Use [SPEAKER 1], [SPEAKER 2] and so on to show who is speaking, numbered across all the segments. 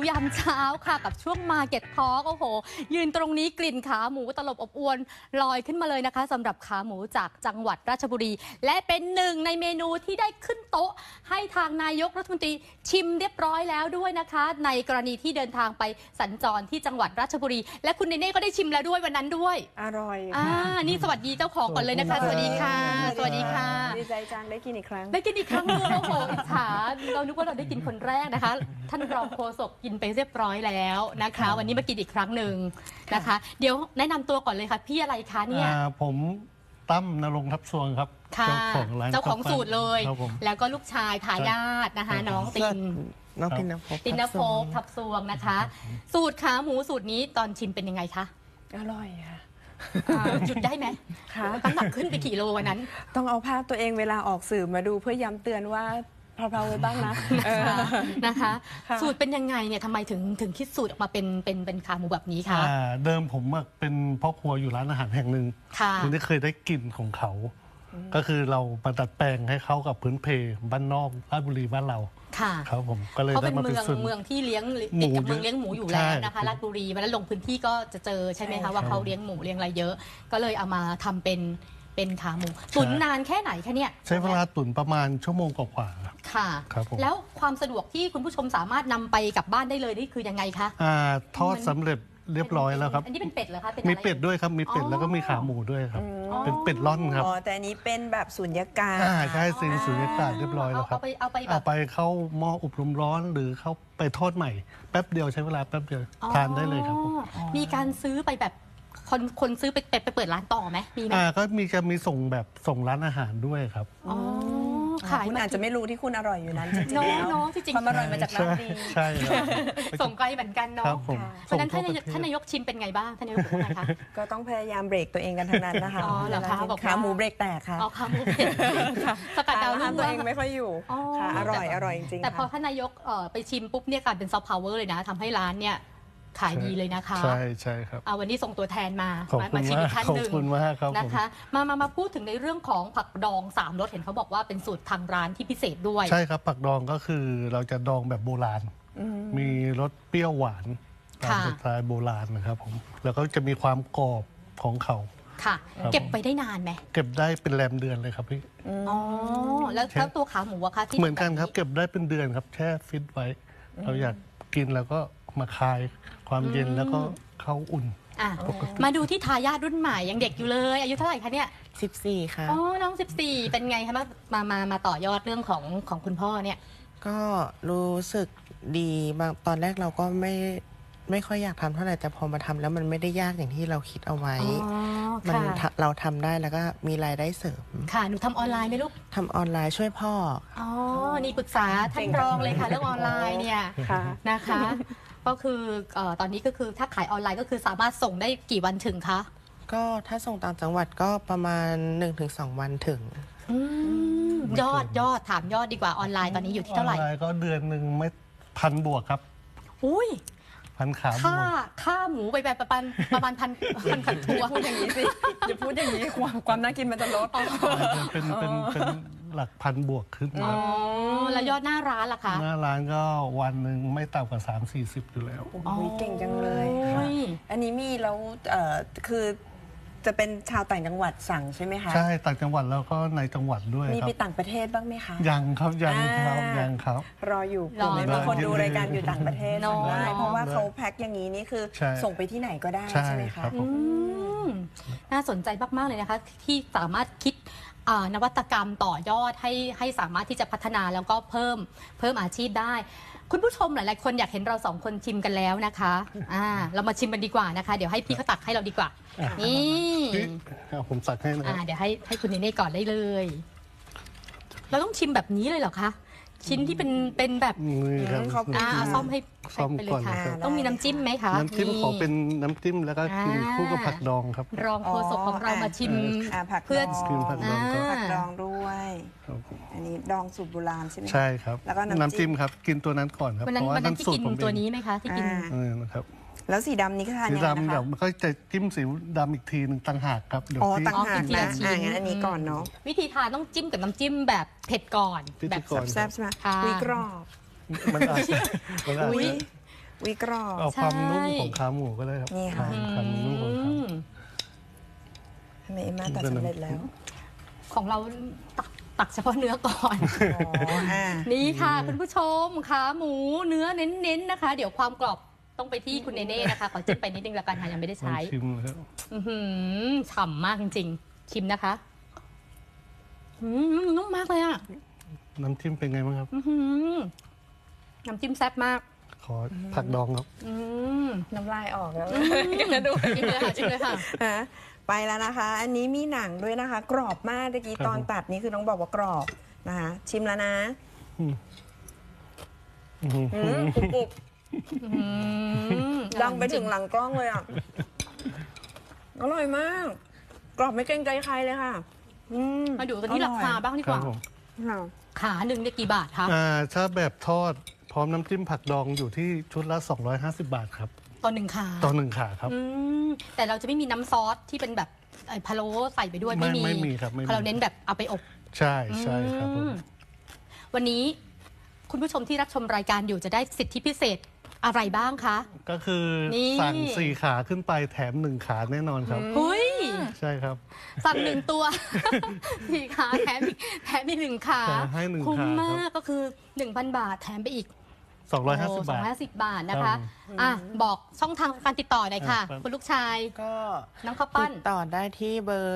[SPEAKER 1] ยามเช้าค่ะกับช่วง Market Talk โอ้โหยืนตรงนี้กลิ่นขาหมูตลบอบอวนลอยขึ้นมาเลยนะคะสำหรับขาหมูจากจังหวัดราชบุรีและเป็นหนึ่งในเมนูที่ได้ขึ้นโต๊ะให้ทางนายกรัฐมนตรีชิมเรียบร้อยแล้วด้วยนะคะในกรณีที่เดินทางไปสัญจรที่จังหวัดราชบุรีและคุณเนเน่ก็ได้ชิมแล้วด้วยวันนั้นด้วย
[SPEAKER 2] อร่อย
[SPEAKER 1] นี่สวัสดีเจ้าของก่อนเลยนะคะสวัสดีค่ะสวัสดีค่ะ
[SPEAKER 2] ดีใจจังได้กินอีกครั้ง
[SPEAKER 1] ได้กินอีกครั้งนึงโอ้โหอิจฉาเรานึกว่าเราได้กินคนแรกนะคะท่านรองโฆษกกินไปเรียบร้อยแล้วนะคะวันนี้มากินอีกครั้งหนึ่งนะคะเดี๋ยวแนะนำตัวก่อนเลยค่ะพี่อะไรคะเนี่ย
[SPEAKER 3] ผมตั้มณรงค์ทับสวงครับเจ้าของร้าน
[SPEAKER 1] เจ้าของสูตรเลยแล้วก็ลูกชายทายาทนะคะน้องตินนภพทับสวงนะคะสูตรขาหมูสูตรนี้ตอนชิมเป็นยังไงคะ
[SPEAKER 2] อร่อยค่ะ
[SPEAKER 1] หยุดได้ไหมคะน้ำหนักขึ้นไปกี่โลวันนั้น
[SPEAKER 2] ต้องเอาภาพตัวเองเวลาออกสื่อมาดูเพื่อย้ำเตือนว่าเพลาๆไว้บ้างนะ
[SPEAKER 1] นะคะสูตรเป็นยังไงเนี่ยทำไมถึงคิดสูตรออกมาเป็นขาหมูแบบนี้คะ
[SPEAKER 3] เดิมผมเป็นพ่อครัวอยู่ร้านอาหารแห่งหนึ่งคุณได้เคยได้กลิ่นของเขาก็คือเรามาดัดแปลงให้เข้ากับพื้นเพบ้านนอกราชบุรีบ้านเราครับผมก็เลยได้มาเป็น
[SPEAKER 1] เมืองที่เลี้ยงเมืองเลี้ยงหมูอยู่แล้วนะคะราชบุรีวันนั้นลงพื้นที่ก็จะเจอใช่ไหมคะว่าเขาเลี้ยงหมูเลี้ยงอะไรเยอะก็เลยเอามาทำเป็นขาหมูตุ๋นนานแค่ไหนคะเนี่ย
[SPEAKER 3] ใช้เวลาตุ๋นประมาณชั่วโมงกว่า
[SPEAKER 1] ค่ะแล้วความสะดวกที่คุณผู้ชมสามารถนำไปกลับบ้านได้เลยนี่คือยังไงคะ
[SPEAKER 3] ทอดสำเร็จเรียบร้อยแล้วครับ
[SPEAKER 1] อันนี้เป็นเป็ดเหรอคะ
[SPEAKER 3] มีเป็ดด้วยครับมีเป็ดแล้วก็มีขาหมูด้วยครับเป็นเป็ดร่อนครับ
[SPEAKER 2] แต่อันนี้เป็นแบบสุญญากาศ
[SPEAKER 3] ใช่สุญญากาศเรียบร้อยแล้วครับเอาไปเข้าหม้ออบลมร้อนหรือเข้าไปทอดใหม่แป๊บเดียวใช้เวลาแป๊บเดียวทานได้เลยครับ
[SPEAKER 1] มีการซื้อไปแบบคนซื้อไปเปิดร้านต่อไหมมีไหม
[SPEAKER 3] ก็มีส่งร้านอาหารด้วยครับ
[SPEAKER 2] ขายมันอาจจะไม่รู้ที่คุณอร่อยอยู่นั้นจริงๆแล้วความอร่อยมาจากร้านดี
[SPEAKER 3] ใช่
[SPEAKER 1] ส่งไกลเหมือนกันเนาะเพราะฉะนั้นท่านนายกชิมเป็นไงบ้างท่านนายกบอกนะคะ
[SPEAKER 2] ก็ต้องพยายามเบรกตัวเองกันทั้งนั้นนะคะขาหมูเบรกแตกค่ะ
[SPEAKER 1] ขาหมูเบรกสกัดดาวรุ่ง
[SPEAKER 2] ตัวเองไม่ค่อยอยู่ค่ะอร่อยจริงๆ
[SPEAKER 1] แต่พอท่านนายกไปชิมปุ๊บเนี่ยกลายเป็นซอฟต์พาวเวอร์เลยนะทำให้ร้านเนี่ยขายดีเลยนะคะ
[SPEAKER 3] ใช่ครับ
[SPEAKER 1] วันนี้ส่งตัวแทนมาชิมอีกท่านหนึ่งนะคะมาพูดถึงในเรื่องของผักดอง3 รสเห็นเขาบอกว่าเป็นสูตรทางร้านที่พิเศษด้วย
[SPEAKER 3] ใช่ครับผักดองก็คือเราจะดองแบบโบราณมีรสเปรี้ยวหวานตามสไตล์โบราณนะครับผมแล้วก็จะมีความกรอบของเขา
[SPEAKER 1] ค่ะเก็บไปได้นานไหม
[SPEAKER 3] เก็บได้เป็นแรมเดือนเลยครับพี่
[SPEAKER 1] แล้วตัวขาหมูอะคะ
[SPEAKER 3] ที่เหมือนกันครับเก็บได้เป็นเดือนครับแช่ฟิตไว้เราอยากกินแล้วก็มาคลายความเย็นแล้วก็เข้าอุ่น
[SPEAKER 1] มาดูที่ทายาทรุ่นใหม่ยังเด็กอยู่เลยอายุเท่าไหร่คะเนี่ย
[SPEAKER 2] 14ค่ะ
[SPEAKER 1] น้อง14เป็นไงคะมาต่อยอดเรื่องของคุณพ่อเนี่ย
[SPEAKER 4] ก็รู้สึกดีบางตอนแรกเราก็ไม่ค่อยอยากทำเท่าไหร่แต่พอมาทำแล้วมันไม่ได้ยากอย่างที่เราคิดเอาไว้เราทำได้แล้วก็มีรายได้เสริม
[SPEAKER 1] ค่ะหนูทำออนไลน์ไหมลูก
[SPEAKER 4] ทำออนไลน์ช่วยพ่อ
[SPEAKER 1] นี่ปรึกษาท่านรองเลยค่ะเรื่องออนไลน์เนี่ยนะคะก็คือตอนนี้ก็คือถ้าขายออนไลน์ก็คือสามารถส่งได้กี่วันถึงคะ
[SPEAKER 4] ก็ถ้าส่งต่างจังหวัดก็ประมาณ 1-2 วันถึง
[SPEAKER 1] ยอดถามยอดดีกว่าออนไลน์ตอนนี้อยู่ที่เท่าไหร่
[SPEAKER 3] ออนไลน์ก็เดือนหนึ่งไม่1,000 บวกครับ
[SPEAKER 1] อุ้ย
[SPEAKER 3] พันขา
[SPEAKER 1] ค่าหมูไปแบบประมาณพันตัว
[SPEAKER 2] พูดอย่างนี้สิอย่าพูดอย่างนี้ความน่ากินมันจะลด
[SPEAKER 3] เป็นหลักพันบวกขึ้น
[SPEAKER 1] แล้วยอดหน้าร้านล่ะคะ
[SPEAKER 3] หน้าร้านก็วันหนึ่งไม่ต่ำกว่า30-40อยู่แล้ว
[SPEAKER 2] เก่งจังเลยอันนี้มีแล้วคือจะเป็นชาวต่างจังหวัดสั่งใช่ไหมคะ
[SPEAKER 3] ใช่ต่างจังหวัดแล้วก็ในจังหวัดด้วย
[SPEAKER 2] มีไปต่างประเทศบ้างไหมคะ
[SPEAKER 3] ยังครับ
[SPEAKER 2] รออยู่บางคนดูรายการอยู่ต่างประเทศสั่งได้เพราะว่าเขาแพ็คอย่างนี้นี่คือส่งไปที่ไหนก็ได้ใช่ไหมคะ
[SPEAKER 1] น่าสนใจมากๆเลยนะคะที่สามารถคิดนวัตกรรมต่อยอดให้สามารถที่จะพัฒนาแล้วก็เพิ่มอาชีพได้คุณผู้ชมหลายๆคนอยากเห็นเรา2 คนชิมกันแล้วนะคะเรามาชิมกันดีกว่านะคะเดี๋ยวให้พี่เขาตักให้เราดีกว่านี่
[SPEAKER 3] ผมตักให้นะ
[SPEAKER 1] เดี๋ยวให้คุณเนเน่ก่อนได้เลยเราต้องชิมแบบนี้เลยเหรอคะชิ้นที่เป็นแบบเอาซ่อมให้ไปเลยค่ะต้องมีน้ำจิ้มไหมคะ
[SPEAKER 3] น้ำจิ้มขอเป็นน้ำจิ้มแล้วก็กินคู่กับผักดองครับ
[SPEAKER 1] รองโฆษกของเรามาชิม
[SPEAKER 2] เพื่อ
[SPEAKER 3] กินผักดอง
[SPEAKER 2] ผักดองด้วยอันนี้ดองสูตรโบราณใช่ไหม
[SPEAKER 3] ใช่ครับแล้วก็น้ำจิ้มครับกินตัวนั้นก่อนครับ
[SPEAKER 1] เพราะว่าน้ำสูตรผมตัวนี้ไหมคะที่กิน
[SPEAKER 3] นะครับ
[SPEAKER 2] แล้วสีดำนี้ก็ทานยังไงนะคะ
[SPEAKER 3] สีดำเดี๋ยวมันก็จะจิ้มสีดำอีกทีหนึ่งต่างหากครับ
[SPEAKER 2] เดี๋ยวต่างหากนะงั้นอันนี้ก่อนเนาะ
[SPEAKER 1] วิธีทานต้องจิ้มกับน้ำจิ้มแบบเผ็ดก่อน
[SPEAKER 2] แบบแซ่บใช่ไหมวิกรอบวิกรอบ
[SPEAKER 3] เอาความนุ่มของขาหมูก็ได้ครับ
[SPEAKER 2] นี่ค่ะ
[SPEAKER 3] ความนุ่มของขา
[SPEAKER 2] ทำไมเอ็มมาตัดสำเร็จแล้ว
[SPEAKER 1] ของเราตักเฉพาะเนื้อก่อน
[SPEAKER 2] อ๋ออ่า
[SPEAKER 1] นี่ค่ะคุณผู้ชมขาหมูเนื้อเน้นๆนะคะ เดี๋ยวความกรอบต้องไปที่คุณเนเน่นะคะขอจิ้มไปนิดนึงละกันค่ะยังไม่ได้
[SPEAKER 3] ลอง
[SPEAKER 1] ใช้
[SPEAKER 3] ชิมเลยครับ
[SPEAKER 1] ฉ่ำมากจริงๆ ชิมนะคะนุ่มมากเลยอ่ะ
[SPEAKER 3] น้ำจิ้มเป็นไงบ้างครับ
[SPEAKER 1] น้ำจิ้มแซ่บมาก
[SPEAKER 3] ขอผักดองครับ
[SPEAKER 2] น้ำลายออกแล้ว
[SPEAKER 1] ดูชิมเลยค่ะชิมเลยค่ะ
[SPEAKER 2] ฮะไปแล้วนะคะ อันนี้มีหนังด้วยนะคะ กรอบมากเมื่อกี้
[SPEAKER 3] ครับ
[SPEAKER 2] ตอนตัดนี่คือน้องบอกว่ากรอบนะคะชิมแล้วนะกรุบๆดังไปถึงหลังกล้องเลยอ่ะอร่อยมาก กรอบไม่เกรงใจใครเลยค่ะ
[SPEAKER 1] มาดูกันที่ราคาบ้างดี
[SPEAKER 3] ค
[SPEAKER 1] ก
[SPEAKER 3] รับ
[SPEAKER 1] ว่า
[SPEAKER 3] ผม
[SPEAKER 2] ค่ะ
[SPEAKER 1] ขาหนึ่งเนี่ยกี่บาทคะ
[SPEAKER 3] ถ้าแบบทอดพร้อมน้ำจิ้มผักดองอยู่ที่ชุดละ 250 บาทครับ
[SPEAKER 1] ต่อหนึ่งขา
[SPEAKER 3] ต่อหนึ่งขาครับ
[SPEAKER 1] แต่เราจะไม่มีน้ำซอสที่เป็นแบบพะโล้ใส่ไปด้วย
[SPEAKER 3] ไม่มีครับไม่มี
[SPEAKER 1] เราเน้นแบบเอาไปอบ
[SPEAKER 3] ใช่ใช่ครับผม
[SPEAKER 1] วันนี้คุณผู้ชมที่รับชมรายการอยู่จะได้สิทธิพิเศษอะไรบ้างคะ
[SPEAKER 3] ก็คือ
[SPEAKER 1] นี่
[SPEAKER 3] สั่ง4 ขาขึ้นไปแถม1 ขาแน่นอนครับ
[SPEAKER 1] เฮ้ย
[SPEAKER 3] ใช่ครับ
[SPEAKER 1] สั่งหนึ่งตัว สี่ขาแถมอีกหนึ่งขา
[SPEAKER 3] แถมให้หนึ่ง
[SPEAKER 1] คุ้ม
[SPEAKER 3] ขาครับ
[SPEAKER 1] มากก็คือ 1,000 บาทแถมไปอีก
[SPEAKER 3] 250 บาท
[SPEAKER 1] 250 บาทนะคะ
[SPEAKER 3] ครับ
[SPEAKER 1] บอกช่องทางการติดต่อหน่อยค่ะ
[SPEAKER 3] ครับ
[SPEAKER 1] คุณลูกชาย
[SPEAKER 4] ก็
[SPEAKER 1] น้องข้าวปั้น
[SPEAKER 4] ติดต่อได้ที่เบอร์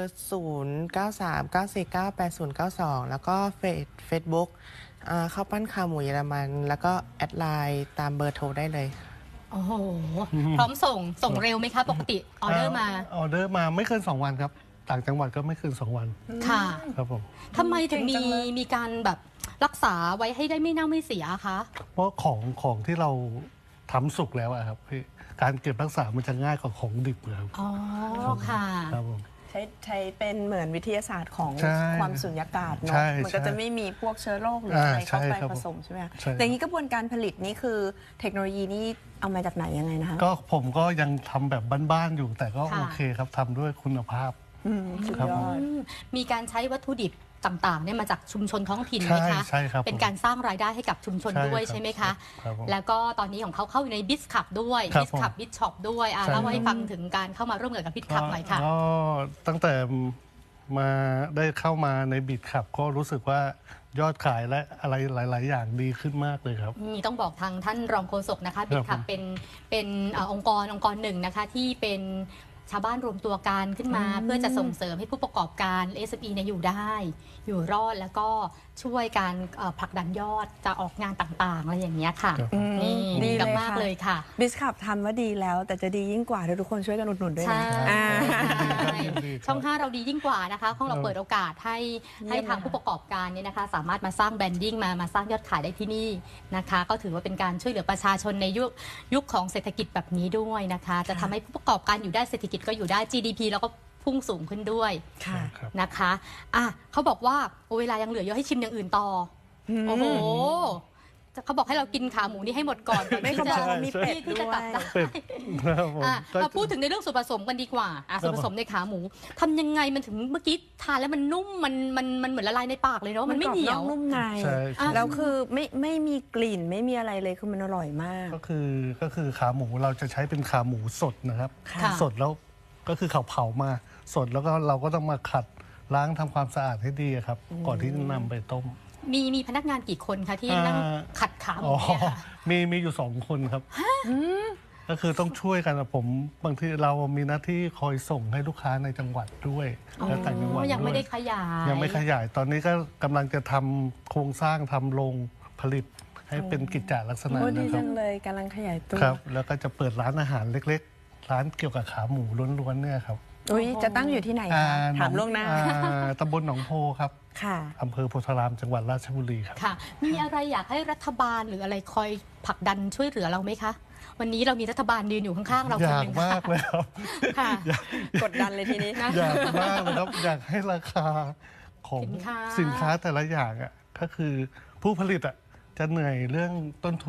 [SPEAKER 4] 0939498092 แล้วก็เฟซบุ๊กข้าวปั้นขาหมูเยอรมัน แล้วก็แอดไลน์ตามเบอร์โทรได้เลย
[SPEAKER 1] โอ้โห พร้อมส่งเร็วไหมคะ ปกติออเดอร์มา
[SPEAKER 3] ออเดอร์มาไม่เกิน 2 วันครับ ต่างจังหวัดก็ไม่เกิน 2 วัน
[SPEAKER 1] ค่ะ
[SPEAKER 3] ครับผม
[SPEAKER 1] ทำไมถึงมีการแบบรักษาไว้ให้ได้ไม่เน่าไม่เสียคะ
[SPEAKER 3] เพราะของที่เราทำสุกแล้วอะครับพี่การเก็บรักษามันจะง่ายกว่าของดิบเลยครับ
[SPEAKER 1] อ๋อ ค่ะ
[SPEAKER 3] ครับผม
[SPEAKER 2] ใช้เป็นเหมือนวิทยาศาสตร์ของ
[SPEAKER 3] ใช่
[SPEAKER 2] ความสุญญากาศเนาะ
[SPEAKER 3] ใช่
[SPEAKER 2] มันก็
[SPEAKER 3] ใช่
[SPEAKER 2] จะไม่มีพวกเชื้อโรคหรืออะไรเข้าไป
[SPEAKER 3] ใช่ครับ
[SPEAKER 2] ผสมใช่ไหมคะ
[SPEAKER 3] ใช่
[SPEAKER 2] แต่อย่างนี้กระบวนการผลิตนี่คือเทคโนโลยีนี่เอามาจากไหนยังไงนะคะ
[SPEAKER 3] ก็ผมก็ยังทำแบบบ้านๆอยู่ แต่ก็
[SPEAKER 1] ค่ะ
[SPEAKER 3] โอเคครับทำด้วยคุณภาพ
[SPEAKER 2] สุด
[SPEAKER 3] ครับ
[SPEAKER 2] ย
[SPEAKER 3] ผ
[SPEAKER 2] อ
[SPEAKER 3] ม
[SPEAKER 2] ด
[SPEAKER 1] มีการใช้วัตถุดิบต่างๆเนี่ยมาจากชุมชนท้องถิ่นไหมคะ
[SPEAKER 3] ใช่ครับ
[SPEAKER 1] เป็นการสร้างรายได้ให้กับชุมชน
[SPEAKER 3] ใช่
[SPEAKER 1] ด้วย
[SPEAKER 3] ครับ
[SPEAKER 1] ใช่ไหมคะ
[SPEAKER 3] ครับผม
[SPEAKER 1] แล้วก็ตอนนี้ของเขาเข้าอยู่ในบิสคับด้วย
[SPEAKER 3] ครับ
[SPEAKER 1] บิสคับ
[SPEAKER 3] ผม
[SPEAKER 1] บิสช็อปด้วย
[SPEAKER 3] ใช่
[SPEAKER 1] เล่าให้ฟังถึงการเข้ามาร่วมงานกับบิสคับหน่อยค่ะ
[SPEAKER 3] ก็ตั้งแต่มาได้เข้ามาในบิดขับ ก็รู้สึกว่ายอดขายและอะไรหลาย ๆ อย่างดีขึ้นมากเลยครับ
[SPEAKER 1] มีต้องบอกทางท่านรองโฆษกนะคะบิ
[SPEAKER 3] ครั
[SPEAKER 1] ด
[SPEAKER 3] บ
[SPEAKER 1] คับเป็นองค์กรหนึ่งนะคะที่เป็นชาวบ้านรวมตัวกันขึ้นมา เพื่อจะส่งเสริมให้ผู้ประกอบการ SME เนี่ยอยู่ได้ อยู่รอดแล้วก็ช่วยการผลักดันยอดจะออกงานต่างๆอะไรอย่างเงี้ยค่ะ
[SPEAKER 3] ครับ
[SPEAKER 1] นี่
[SPEAKER 2] ดี
[SPEAKER 1] ดี
[SPEAKER 2] เลย
[SPEAKER 1] มาก
[SPEAKER 2] ค่ะ
[SPEAKER 1] ๆเลยค่ะ
[SPEAKER 2] บิสคับทำว่าดีแล้ว แต่จะดียิ่งกว่าถ้าทุกคนช่วยกันอุดหนุนด้วย
[SPEAKER 1] ใช่
[SPEAKER 2] นะอ่า
[SPEAKER 3] ดีครับ
[SPEAKER 1] ช่อง 5 เราดียิ่งกว่านะคะของเราเปิดโอกาสให้
[SPEAKER 2] เยี่ยม
[SPEAKER 1] ทางผู้ประกอบการเนี่ยนะคะ สามารถมาสร้างแบรนดิ้งมาสร้างยอดขายได้ที่นี่นะคะ ก็ถือว่าเป็นการช่วยเหลือประชาชนในยุคของเศรษฐกิจแบบนี้ด้วยนะคะ จะทำให้ผู้ประกอบการอยู่ได้เศรษฐกิจก็อยู่ได้ GDP แล้วก็พุ่งสูงขึ้นด้วย
[SPEAKER 2] ค่ะ
[SPEAKER 3] ครับ
[SPEAKER 1] นะคะเขาบอกว่าเวลายังเหลือเยอะให้ชิมอย่างอื่นต่ออโอ้โหเขาบอกให้เรากินขาหมูนี่ให้หมดก่อน
[SPEAKER 2] ไม่เขาบอกว่ามีเป็ด
[SPEAKER 1] ที่จะ
[SPEAKER 2] ด้ว
[SPEAKER 1] ตัด
[SPEAKER 2] ย
[SPEAKER 1] ได้
[SPEAKER 3] เป็ดครับผมก็
[SPEAKER 1] มาพูดถึงในเรื่องส่วนผสมกันดีกว่าส่วนผสมในขาหมูทำยังไงมันถึงเมื่อกี้ทานแล้วมันนุ่มมันเหมือนละลายในปากเลยเนาะมันไม่เหนียว
[SPEAKER 2] กรอบนอกนุ่มใน
[SPEAKER 3] ใช่ใช่
[SPEAKER 2] แล้วคือไม่มีกลิ่นไม่มีอะไรเลยคือมันอร่อยมาก
[SPEAKER 3] ก็คือขาหมูเราจะใช้เป็นขาหมูสดนะครับ
[SPEAKER 1] ค่ะ
[SPEAKER 3] สดแล้วก็คือเขาเผามาสดแล้วก็เราก็ต้องมาขัดล้างทำความสะอาดให้ดีครับ ก่อนที่จะนำไปต้ม
[SPEAKER 1] มีพนักงานกี่คนคะที่นั่งขัดขาหมู
[SPEAKER 3] อ๋อ
[SPEAKER 1] เนี่ยค่ะ
[SPEAKER 3] มีอยู่2 คนครับก็คือต้องช่วยกันนะผมบางทีเรามีหน้าที่คอยส่งให้ลูกค้าในจังหวัดด้วยและต่างจังหวัด
[SPEAKER 1] ยังไม่
[SPEAKER 3] ด้
[SPEAKER 1] ได้
[SPEAKER 3] วย
[SPEAKER 1] ขยาย
[SPEAKER 3] ยังไม่ขยายตอนนี้ก็กำลังจะทำโครงสร้างทำโรงผลิตให้เป็นกิจจลักษณะ
[SPEAKER 2] โอ้ดี
[SPEAKER 3] นะครั
[SPEAKER 2] จั
[SPEAKER 3] บ
[SPEAKER 2] งเลยกำลังขยายตัว
[SPEAKER 3] ครับ แล้วก็จะเปิดร้านอาหารเล็กๆ ร้านเกี่ยวกับขาหมูล้วนๆเนี่ยครับ
[SPEAKER 2] อุ้ยจะตั้งอยู่ที่ไหนคะถามล่วงหน้า
[SPEAKER 3] ตำบลหนองโพครับ
[SPEAKER 2] ค่ะ
[SPEAKER 3] อำเภอโพธารามจังหวัดราชบุรีครับ
[SPEAKER 1] ค่ะ มีอะไรอยากให้รัฐบาลหรืออะไรคอยผลักดันช่วยเหลือเราไหมคะ วันนี้เรามีรัฐบาลยืนอยู่ข้างๆเรา
[SPEAKER 3] อ
[SPEAKER 1] คน
[SPEAKER 3] ยา
[SPEAKER 1] ห
[SPEAKER 3] ก
[SPEAKER 1] นึ่ง
[SPEAKER 3] มากเลยครับ
[SPEAKER 1] ค่ะ
[SPEAKER 2] กดดันเลยทีนี้
[SPEAKER 3] อยากมากเลยครับ อยากให้ราคาของ
[SPEAKER 1] สินค้า
[SPEAKER 3] แต่ละอย่างอ่ะก็คือผู้ผลิตอ่ะจะเหนื่อยเรื่องต้นทุน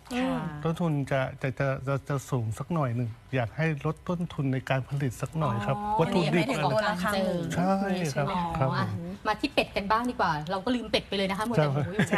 [SPEAKER 3] ต้นทุนจะสูงสักหน่อยหนึ่งอยากให้ลดต้นทุนในการผลิตสักหน่อยครับ วัตถุดิบ
[SPEAKER 2] ไม่ถึงตัวราคาหมู
[SPEAKER 3] ใช่ครับ
[SPEAKER 1] อ๋อ
[SPEAKER 3] ครับ
[SPEAKER 1] อ่ะมาที่เป็ดกันบ้างดีกว่า เราก็ลืมเป็ดไปเลยนะคะหมดแต่หมูอยู่
[SPEAKER 2] ใช่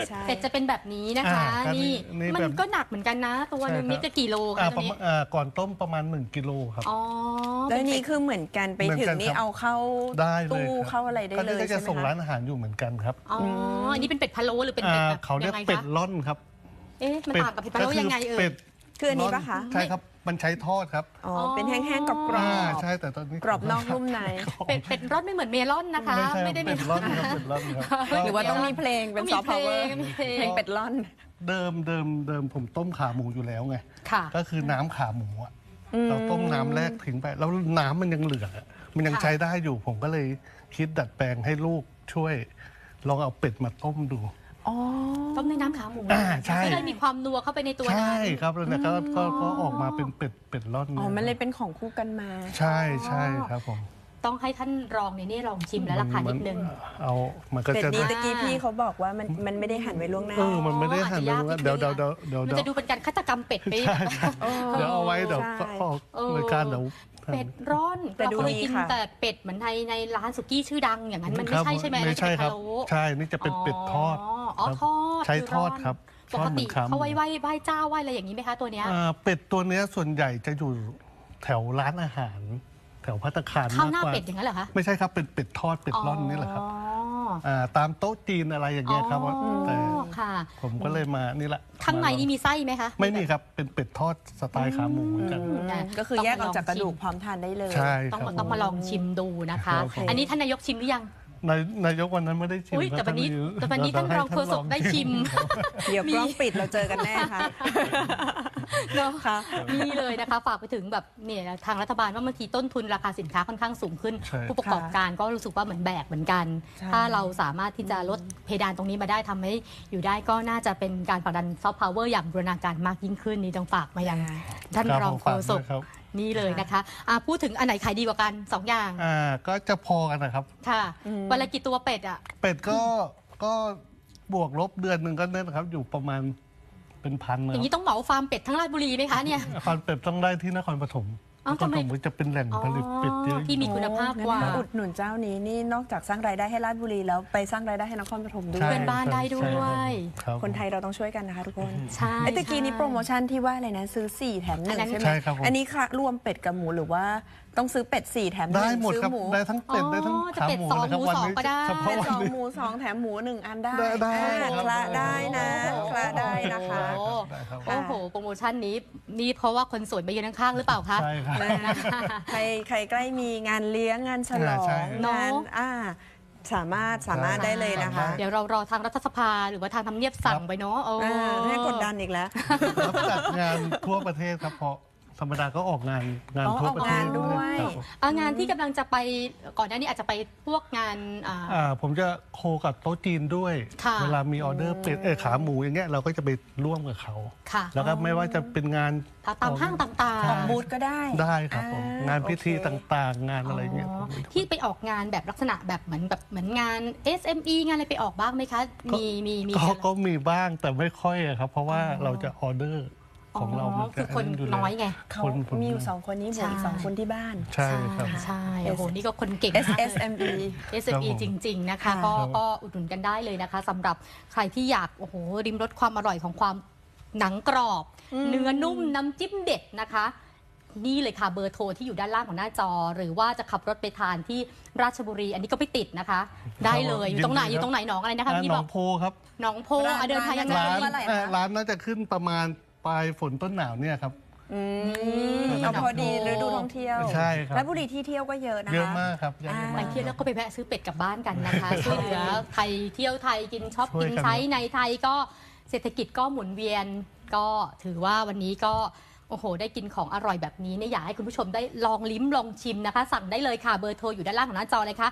[SPEAKER 1] เป็ดจะเป็นแบบนี้นะคะ
[SPEAKER 3] อ่า
[SPEAKER 1] นี่
[SPEAKER 3] นี่
[SPEAKER 1] มัน
[SPEAKER 3] แบบ
[SPEAKER 1] ก็หนักเหมือนกันนะ ตัวหนึง
[SPEAKER 3] ใช่ครับ
[SPEAKER 1] นี่จะกี่โล
[SPEAKER 3] อ่า
[SPEAKER 1] คะ
[SPEAKER 3] ป
[SPEAKER 1] ตัว
[SPEAKER 3] ระ
[SPEAKER 1] นี้
[SPEAKER 3] มาณก่อนต้มประมาณ1 กิโลครับ
[SPEAKER 1] อ๋อ
[SPEAKER 2] แล้วนี่คือเหมือนกันไปถึงนี่เอาเข้า
[SPEAKER 3] ได้เลย
[SPEAKER 2] ตู้
[SPEAKER 3] ครับ
[SPEAKER 2] เข้าอะไรได้เลย
[SPEAKER 3] ก็จะ
[SPEAKER 2] ใช่
[SPEAKER 3] ส่ง
[SPEAKER 2] ไหม
[SPEAKER 3] ร้าน
[SPEAKER 2] คะ
[SPEAKER 3] อาหารอยู่เหมือนกันครับ
[SPEAKER 1] อ๋ออันนี้เป็นเป็ดพะโล้หรือเป็นเป็ดแบบ
[SPEAKER 3] เขาเรีย
[SPEAKER 1] ยั
[SPEAKER 3] ก
[SPEAKER 1] งไง
[SPEAKER 3] เป็
[SPEAKER 1] คะ
[SPEAKER 3] ดล่อนครับ
[SPEAKER 1] เอ๊ะมันต่างกับเป็ดพะโล้ยังไงเอ่
[SPEAKER 3] เป็
[SPEAKER 1] ย
[SPEAKER 3] ด
[SPEAKER 2] คืออันนี้ปะคะ
[SPEAKER 3] ใช่ครับมันใช้ทอดครับ
[SPEAKER 2] อ๋อเป็นแห้งๆกรอบ
[SPEAKER 3] ใช่แต่ตอนนี้
[SPEAKER 2] กรอบนอกนุ่มใน
[SPEAKER 1] เป็ดร่อนไม่เหมือนเมลอนนะคะ
[SPEAKER 3] ไม่
[SPEAKER 1] ไม่ได้
[SPEAKER 3] ใช่เป็ดล่อนครับเป็ดล่อนครับ
[SPEAKER 2] หรือว่าต้องมีเพลงเป็น
[SPEAKER 1] ต้องมี
[SPEAKER 2] ซอฟต์พาวเวอร์
[SPEAKER 1] เพลงมีเพลง
[SPEAKER 2] เพลงเป็ดล่อน
[SPEAKER 3] เดิมผมต้มขาหมูอยู่แล้วไง
[SPEAKER 1] ค่ะ
[SPEAKER 3] ก็คือน้ำขาหมูอะเราต้มน้ำแรกทิ้งไปแล้วน้ำมันยังเหลือมันยัง
[SPEAKER 1] ค่ะ
[SPEAKER 3] ใช้ได้อยู่ ผมก็เลยคิดดัดแปลงให้ลูกช่วยลองเอาเป็ดมาต้มดู
[SPEAKER 1] ต้มในน้ำขาหมู
[SPEAKER 3] ใช่
[SPEAKER 1] ก็เลยมีความนัวเข้าไปในตัวนั้น
[SPEAKER 3] ใช่ครับแล้วเนี่ยก็ออกมาเป็นเป็ดล่อน
[SPEAKER 2] อ๋อ มันเลยเป็นของคู่กันมา
[SPEAKER 3] ใช่ครับผม
[SPEAKER 1] ต้องให้ท่านรองเนี่ยนี่ลองชิมแล้วราคานิดนึง
[SPEAKER 3] มันก็
[SPEAKER 2] เป็ด
[SPEAKER 3] จะ
[SPEAKER 2] นี้ตะกี้พี่เขาบอกว่ามันไม่ได้หั่นไว้ล่วงหน้า
[SPEAKER 3] มันไม่ได้หั่น
[SPEAKER 1] อาจจะยาก
[SPEAKER 3] เลย
[SPEAKER 1] นิดนึง
[SPEAKER 3] เดี๋ยว
[SPEAKER 1] มันจะดูเป็นการฆาตกรรมเป็ดไป
[SPEAKER 3] ใช่เดี๋ยวเอาไว้เดี๋ยว
[SPEAKER 2] ใช่
[SPEAKER 3] ก็ออกรายการเดี๋ยว
[SPEAKER 1] เป็ดร่อน
[SPEAKER 2] แต่
[SPEAKER 1] เรา
[SPEAKER 2] ดู
[SPEAKER 1] เคย
[SPEAKER 2] ดี
[SPEAKER 1] กิน
[SPEAKER 2] ค่ะ
[SPEAKER 1] แต่เป็ดเหมือนในร้านสุกี้ชื่อดังอย่างนั้นมันไม่ใช่ใช่ไหม
[SPEAKER 3] ไม่ใช่ครับ
[SPEAKER 1] อันนั้น
[SPEAKER 3] ใช่นี่จะเป็นเป็ดทอด
[SPEAKER 1] อ๋อ
[SPEAKER 3] ครับ
[SPEAKER 1] ทอด
[SPEAKER 3] ใช้
[SPEAKER 1] คือ
[SPEAKER 3] ทอดครับ
[SPEAKER 1] ปกติเขาไหว้เจ้าไหว้อะไรอย่างนี้ไหมคะตัวเนี้ย
[SPEAKER 3] เป็ดตัวเนี้ยส่วนใหญ่จะอยู่แถวร้านอาหาร แถวภัตตาคาร
[SPEAKER 1] ข้าว
[SPEAKER 3] มาก
[SPEAKER 1] หน้าก
[SPEAKER 3] ว่า
[SPEAKER 1] เป็ดอย่างนั้นเหรอคะ
[SPEAKER 3] ไม่ใช่ครับเป็นเป็ดทอดเป็ดร่อนนี่แหละครับตามโต๊ะจีนอะไรอย่างเงี้ยครับแต่
[SPEAKER 1] ค่ะ
[SPEAKER 3] ผมก็เลยมานี่แหละ
[SPEAKER 1] ข้างในนี่มีไส้ไหมคะ
[SPEAKER 3] ไม่มีครับเป็นเป็ดทอดสไตล์ขาหมูเหมือนกัน
[SPEAKER 2] ก็คือแยกออกจากกระดูกพร้อมทานได้เลย
[SPEAKER 3] ใช่
[SPEAKER 1] ต้อง
[SPEAKER 3] ครับ
[SPEAKER 1] ต้องมาลองชิมดูนะคะ
[SPEAKER 3] ครับผม
[SPEAKER 1] อันนี้ท่านนายกชิมหรือยัง
[SPEAKER 3] นายกวันนั้นไม่ได้ชิม
[SPEAKER 1] อุ๊ยแต่วันนี้ท่านรองโฆษกได้ชิม
[SPEAKER 2] เดี๋ยวกล้องปิดเราเจอกันแน่ค่ะ
[SPEAKER 1] เนาะ
[SPEAKER 2] ค่ะ
[SPEAKER 1] นี่เลยนะคะฝากไปถึงแบบเนี่ยทางรัฐบาลว่าบางทีต้นทุนราคาสินค้าค่อนข้างสูงขึ้น
[SPEAKER 3] ใช่
[SPEAKER 1] ผู้ประกอบการก็รู้สึกว่าเหมือนแบกเหมือนกัน
[SPEAKER 2] ใช่
[SPEAKER 1] ถ้าเราสามารถที่จะลดเพดานตรงนี้มาได้ทำให้อยู่ได้ก็น่าจะเป็นการผลักดันซอฟต์พาวเวอร์อย่างบูรณาการมากยิ่งขึ้นนี่ต้องฝากมายังท่าน
[SPEAKER 3] ครับ
[SPEAKER 1] รอง
[SPEAKER 3] ผม
[SPEAKER 1] โฆ
[SPEAKER 3] ฝาก
[SPEAKER 1] ษ
[SPEAKER 3] ด้ว
[SPEAKER 1] ก
[SPEAKER 3] ยครับ
[SPEAKER 1] นี่เลยนะคะพูดถึงอันไหนขายดีกว่ากันสองอย่าง
[SPEAKER 3] ก็จะพอกันนะครับ
[SPEAKER 1] ค่ะวันละกี่ตัวเป็ดอ่ะ
[SPEAKER 3] เป็ดก็บวกลบเดือนหนึ่งก็เนี่ยนะครับ อยู่ประมาณเป็นพันนะ
[SPEAKER 1] อย่างนี้ต้องเหมาฟาร์มเป็ดทั้งราชบุรีไหมคะเนี่ย
[SPEAKER 3] คอนเป็ดต้องได้ที่นครปฐม
[SPEAKER 1] อ้าวน
[SPEAKER 3] คร
[SPEAKER 1] ทำไม
[SPEAKER 3] ปฐมจะเป็นแหล่งผลิตเป็ดเยอะ
[SPEAKER 1] ที่มีคุณภาพกว่า
[SPEAKER 2] งั้นอุดหนุนเจ้านี้นี่นอกจากสร้างรายได้ให้ราชบุรีแล้วไปสร้างรายได้ให้นครปฐมด้ว
[SPEAKER 3] ใช่
[SPEAKER 2] ย
[SPEAKER 1] เพื่อนบ้านได้ด้วย
[SPEAKER 3] ครับ
[SPEAKER 2] คนไทยเราต้องช่วยกันนะคะทุกคน
[SPEAKER 1] ใช่
[SPEAKER 2] ไอ้ตะกี้นี้โปรโมชั่นที่ว่าอะไรนะซื้อ 4 แถม
[SPEAKER 1] อันนั้น
[SPEAKER 2] 1 ใช่ไหม
[SPEAKER 3] ใช่ครับผม
[SPEAKER 2] อันนี้ค่ะรวมเป็ดกับหมูหรือว่าต้องซื้อเป็ด 4 แถม 1
[SPEAKER 3] ได้หมด
[SPEAKER 2] ซื้อ
[SPEAKER 3] ครับ
[SPEAKER 2] หมู
[SPEAKER 3] ได้ทั้งเป็ดได้ทั้ง
[SPEAKER 1] จะ
[SPEAKER 3] ขา
[SPEAKER 1] เป็ด
[SPEAKER 3] หมู
[SPEAKER 1] สอง
[SPEAKER 3] เลยครับ
[SPEAKER 1] หมู
[SPEAKER 3] วัน
[SPEAKER 1] สอง
[SPEAKER 3] นี้
[SPEAKER 1] ก็ได้
[SPEAKER 3] เฉพาะ
[SPEAKER 2] เป็ด
[SPEAKER 3] วัน
[SPEAKER 2] 2
[SPEAKER 3] นี้
[SPEAKER 2] หมู 2 แถมหมู 1 อันได้
[SPEAKER 3] ได้
[SPEAKER 2] อ่า
[SPEAKER 3] ครับ
[SPEAKER 2] คละได้นะ
[SPEAKER 3] โอ้โห
[SPEAKER 2] คละได้นะคะ
[SPEAKER 1] โอ้
[SPEAKER 3] ได้ครับ
[SPEAKER 1] โอ้โห โปรโมชั่นนี้นี่เพราะว่าคนสวยมายืนข้างๆหรือเปล่าคะ
[SPEAKER 3] ใช่ครับ
[SPEAKER 2] ใครใกล้มีงานเลี้ยงงานฉลอง
[SPEAKER 3] ใช่
[SPEAKER 2] งานสามารถได้เลยนะคะ
[SPEAKER 1] เดี๋ยวเรารอทางรัฐสภาหรือว่าทางทำเนียบสั่งไปเนาะโอ้
[SPEAKER 2] ให้กดดันอีกแล้ว
[SPEAKER 3] รับจัดงานทั่วประเทศครับเพราะธรรมดาก็ออกงาน
[SPEAKER 2] อ๋อ
[SPEAKER 3] ทั่วประเทศ
[SPEAKER 2] ออกงานด้วย
[SPEAKER 3] ครับผม
[SPEAKER 1] งานที่กำลังจะไปก่อนหน้านี้อาจจะไปพวกงาน
[SPEAKER 3] ผมจะโคกับโต๊ะจีนด้วย
[SPEAKER 1] ค่ะ
[SPEAKER 3] เวลามีออเดอร์เป็ดขาหมูอย่างเงี้ยเราก็จะไปร่วมกับเขา
[SPEAKER 1] ค่ะ
[SPEAKER 3] แล้วก็ไม่ว่าจะเป็นงาน
[SPEAKER 1] ตามห้างต่าง
[SPEAKER 3] ใช่
[SPEAKER 2] ออกบูธก็ได้
[SPEAKER 3] ได้ครับผม งานพิธี
[SPEAKER 2] โอเค
[SPEAKER 3] ต่างๆ งานอะไรเงี้ยผม
[SPEAKER 1] ๆ ที่ไปออกงานแบบลักษณะแบบเหมือนงาน SME งานอะไรไปออกบ้างไหมคะ มี
[SPEAKER 3] ก็มีบ้างแต่ไม่ค่อยอะครับ เพราะว่าเราจะออเดอร์ของเรามัน
[SPEAKER 1] คือคน
[SPEAKER 3] ยู่
[SPEAKER 1] น้อยไง
[SPEAKER 2] เขามีอยู่ 2 คนนี้หมูอีก 2 คนที่บ้าน
[SPEAKER 3] ใช่ครับ
[SPEAKER 1] ใช่โอ้โหนี่ก็คนเก่งมากเลย
[SPEAKER 2] SSME
[SPEAKER 1] SME จริง ๆ นะคะ
[SPEAKER 3] ครั
[SPEAKER 1] ก็
[SPEAKER 3] บ
[SPEAKER 1] อุดหนุนกันได้เลยนะคะสำหรับใครที่อยากโอ้โหริมรสความอร่อยของความหนังกรอบ เนื้อนุ่มน้ำจิ้มเด็ดนะคะ นี่เลยค่ะเบอร์โทรที่อยู่ด้านล่างของหน้าจอ หรือว่าจะขับรถไปทานที่ราชบุรี อันนี้ก็ไปติดนะคะ ได้เลยอยู่ตรงไหนอยู่ตรงไหนหนองอะไรนะคะ
[SPEAKER 3] ห
[SPEAKER 1] พี่
[SPEAKER 3] น
[SPEAKER 1] บ
[SPEAKER 3] อ
[SPEAKER 1] อง ก
[SPEAKER 3] โพครับ
[SPEAKER 1] หนองโพเดินทางยังไง
[SPEAKER 3] ร้าน
[SPEAKER 2] เมื่อไหร่คะ
[SPEAKER 3] ร้านน่าจะขึ้นประมาณปลายฝนต้นหนาวเนี่ยครับ
[SPEAKER 2] เอาพอดีฤดูท่องเที่ยว
[SPEAKER 3] ใช่ครับ
[SPEAKER 2] และบุรีที่เที่ยวก็เยอะนะคะ
[SPEAKER 3] เยอะมากครับเยอะ
[SPEAKER 2] อ่า
[SPEAKER 1] ไป
[SPEAKER 3] มาก
[SPEAKER 1] เที่ยวแล้วก็ไปแวะซื้อเป็ดกลับบ้านกันนะคะ ช่วยเหลือไทยเที่ยวไทยกินช็อป
[SPEAKER 3] ช่วย
[SPEAKER 1] กิน
[SPEAKER 3] กัน
[SPEAKER 1] ใช้ในไทยก็เศรษฐกิจก็หมุนเวียน ก็ถือว่าวันนี้ก็โอ้โหได้กินของอร่อยแบบนี้เนี่ยอยากให้คุณผู้ชมได้ลองลิ้มลองชิมนะคะ สั่งได้เลยค่ะเบอร์โทรอยู่ด้านล่างของหน้าจอเลยค่ะ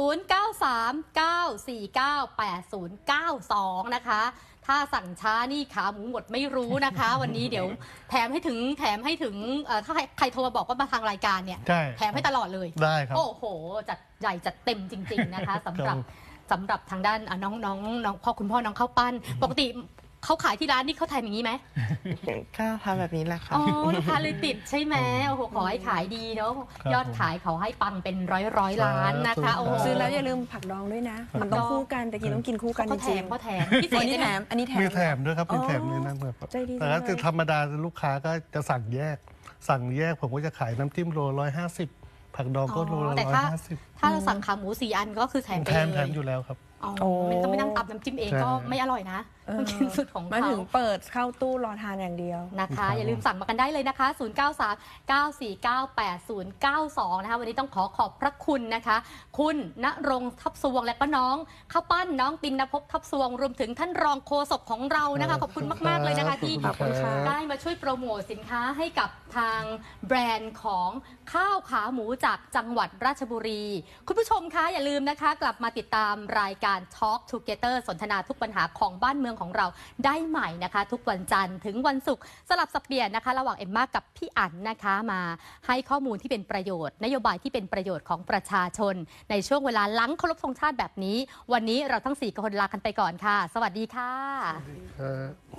[SPEAKER 1] 0939498092 นะคะ ถ้าสั่งช้านี่ขาหมูหมดไม่รู้นะคะ วันนี้เดี๋ยวแถมให้ถึงถ้าใครโทรมาบอกว่ามาทางรายการเนี่ย
[SPEAKER 3] ใช่
[SPEAKER 1] แถมให้ตลอดเลย
[SPEAKER 3] ได้ครับ
[SPEAKER 1] โอ้โห จัดใหญ่จัดเต็มจริง ๆ นะคะ สำหรับทางด้านน้องพ่อคุณพ่อน้องข้าวปั้น ปกติเขาขายที่ร้านนี่เขาทำอย่างนี้ไหม
[SPEAKER 4] ก็ทำแบบนี้แหละค่ะ
[SPEAKER 1] อ๋อลูกค้าเลยติดใช่ไหมโอ้โหขอให้ขายดีเนาะ
[SPEAKER 3] ครับ
[SPEAKER 1] ยอดขายเขาให้ปังเป็นร้อยล้านนะคะ
[SPEAKER 3] สาธุ
[SPEAKER 1] โอ้โห
[SPEAKER 2] ซื้อแล้วอย่าลืมผักดองด้วยนะ มันต้องคู่กันแต่กินต้องกินคู่กันจ
[SPEAKER 1] เขาแถ
[SPEAKER 2] ริง
[SPEAKER 1] มเขาแถมพิ
[SPEAKER 2] ๆ
[SPEAKER 1] เศษ
[SPEAKER 2] อันนี้
[SPEAKER 1] ใช่
[SPEAKER 2] แถ
[SPEAKER 1] ไหม
[SPEAKER 2] มอันนี้แถม
[SPEAKER 3] มีแถมด้วยครับมี
[SPEAKER 2] อ๋อ
[SPEAKER 3] แถมในนั้นแบบ
[SPEAKER 2] ใจดีจัง
[SPEAKER 3] แต่ถ้า
[SPEAKER 2] เลย
[SPEAKER 3] คือธรรมดาลูกค้าก็จะสั่งแยก ผมก็จะขายน้ำจิ้มโล150ผักดองก็โลละ
[SPEAKER 1] แต่ถ้า
[SPEAKER 3] 150
[SPEAKER 1] ถ้าเราสั่งขาหมู4 อันก็คือแถมไป
[SPEAKER 3] แถ
[SPEAKER 1] เลย
[SPEAKER 3] มอยู่แล้วครับ
[SPEAKER 1] อ๋อมันต้องไปนั่งตับน้ำจิ้มเองก็ไม่อร่อยนะต้องกินสูตรของ
[SPEAKER 2] มา
[SPEAKER 1] เขา
[SPEAKER 2] ถึงเปิดเข้าตู้รอทานอย่างเดียว
[SPEAKER 1] นะคะ
[SPEAKER 3] ครับ
[SPEAKER 1] อย่าลืมสั่งมากันได้เลยนะคะ 0939498092 นะคะวันนี้ต้องขอบพระคุณนะคะ คุณณรงค์ทับสวงและก็น้องข้าวปั้นน้องตินนภพทับสวงรวมถึงท่านรองโฆษกของเรานะคะขอบคุณมากๆเลยนะคะที่
[SPEAKER 3] ขอบคุณครับ
[SPEAKER 1] ได้มาช่วยโปรโมทสินค้าให้กับทางแบรนด์ของข้าวขาหมูจากจังหวัดราชบุรี คุณผู้ชมคะอย่าลืมนะคะ กลับมาติดตามรายการ Talk Together สนทนาทุกปัญหาของบ้านเมืองของเราได้ใหม่นะคะ ทุกวันจันทร์ถึงวันศุกร์สลับสับเปลี่ยนนะคะ ระหว่างเอ็มม่ากับพี่อั๋นนะคะมาให้ข้อมูลที่เป็นประโยชน์ นโยบายที่เป็นประโยชน์ของประชาชน ในช่วงเวลาหลังเคารพธงชาติแบบนี้ วันนี้เราทั้ง4คนลากันไปก่อนค่ะ สวัสดีค่ะ
[SPEAKER 3] ครับ